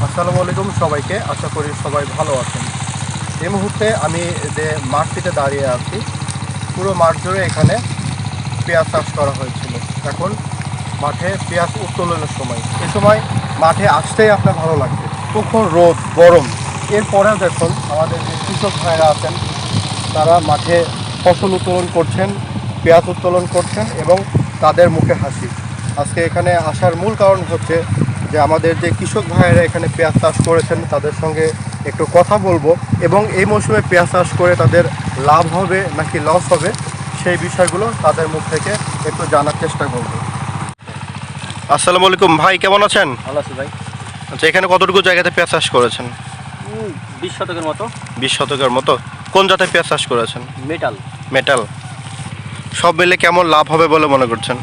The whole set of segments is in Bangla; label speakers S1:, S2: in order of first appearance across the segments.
S1: আসসালামু আলাইকুম সবাইকে, আশা করি সবাই ভালো আছেন। এই মুহূর্তে আমি যে মাঠটিতে দাঁড়িয়ে আছি, পুরো মাঠ জুড়ে এখানে পেঁয়াজ চাষ করা হয়েছিল। এখন মাঠে পেঁয়াজ উত্তোলনের সময়, এই সময় মাঠে আসতেই আপনার ভালো লাগবে। প্রখর রোদ, গরম, এরপরেও দেখুন আমাদের যে কৃষক ভাইরা আছেন তারা মাঠে ফসল উত্তোলন করছেন, পেঁয়াজ উত্তোলন করছেন এবং তাদের মুখে হাসি। আজকে এখানে আসার মূল কারণ হচ্ছে যে আমাদের যে কৃষক ভাইয়েরা এখানে পেঁয়াজ চাষ করেছেন তাদের সঙ্গে একটু কথা বলবো এবং এই মৌসুমে পেঁয়াজ চাষ করে তাদের লাভ হবে নাকি লস হবে সেই বিষয়গুলো তাদের মুখ থেকে একটু জানার চেষ্টা করব। আসসালামু আলাইকুম ভাই, কেমন আছেন?
S2: ভালো আছি ভাই।
S1: আচ্ছা, এখানে কতটুকু জায়গাতে পেঁয়াজ চাষ করেছেন?
S2: 20 শতকের মতো।
S1: 20 শতকের মতো। কোন জাতের পেঁয়াজ চাষ করেছেন?
S2: মেটাল।
S1: সব মিলে কেমন লাভ হবে বলে মনে করছেন?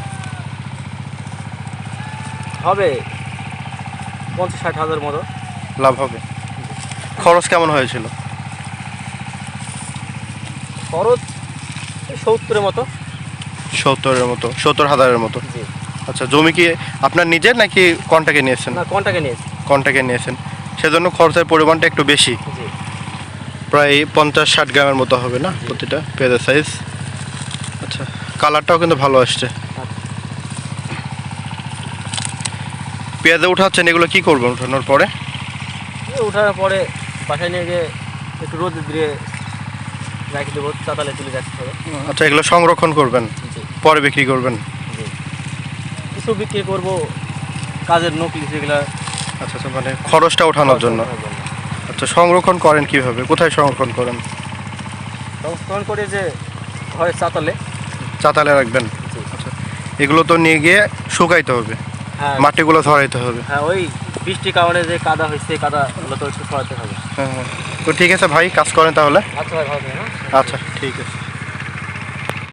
S2: হবে 50-60 হাজার মতো
S1: লাভ হবে। খরচ কেমন হয়েছিল?
S2: খরচ 70-এর মতো।
S1: 70-এর মতো, 70,000-এর মতো।
S2: জি।
S1: আচ্ছা, জমি কি আপনার নিজের নাকি কন্ট্রাক্টে নিয়েছেন?
S2: না, কন্টাকে নিয়েছি।
S1: কন্ট্রাক্টে নিয়েছেন, সেজন্য খরচের পরিমাণটা একটু বেশি।
S2: জি।
S1: প্রায় 50-60 গ্রামের মতো হবে না প্রতিটা পেঁয়াজের সাইজ? আচ্ছা, কালারটাও কিন্তু ভালো আসছে। পেঁয়াজে উঠাচ্ছেন, এগুলো কি করবেন উঠানোর পরে?
S2: ওঠার পরে বাসায় নিয়ে গিয়ে একটু রোদ দিয়ে রাখি দেবো, চাতালে তুলে রাখতে হবে।
S1: আচ্ছা, এগুলো সংরক্ষণ করবেন,
S2: জি।
S1: পরে বিক্রি করবেন?
S2: জি। কিছু বিক্রি করবো কাজের নকলি যেগুলো।
S1: আচ্ছা আচ্ছা, মানে খরচটা ওঠানোর জন্য। আচ্ছা, সংরক্ষণ করেন কিভাবে, কোথায় সংরক্ষণ করেন?
S2: সংস্করণ করে যে হয় চাতালে।
S1: চাতালে রাখবেন?
S2: জি।
S1: আচ্ছা, এগুলো তো নিয়ে গিয়ে শুকাইতে হবে,
S2: হ্যাঁ।
S1: মাটিগুলো ধরাইতে হবে।
S2: হ্যাঁ, ওই বৃষ্টির কারণে যে কাদা হয়েছে, কাদাগুলো তো একটু সরাতে হবে।
S1: হ্যাঁ হ্যাঁ, তো ঠিক আছে ভাই, কাজ করেন তাহলে।
S2: আচ্ছা ভাই, ভালো থাকবেন।
S1: আচ্ছা, ঠিক আছে।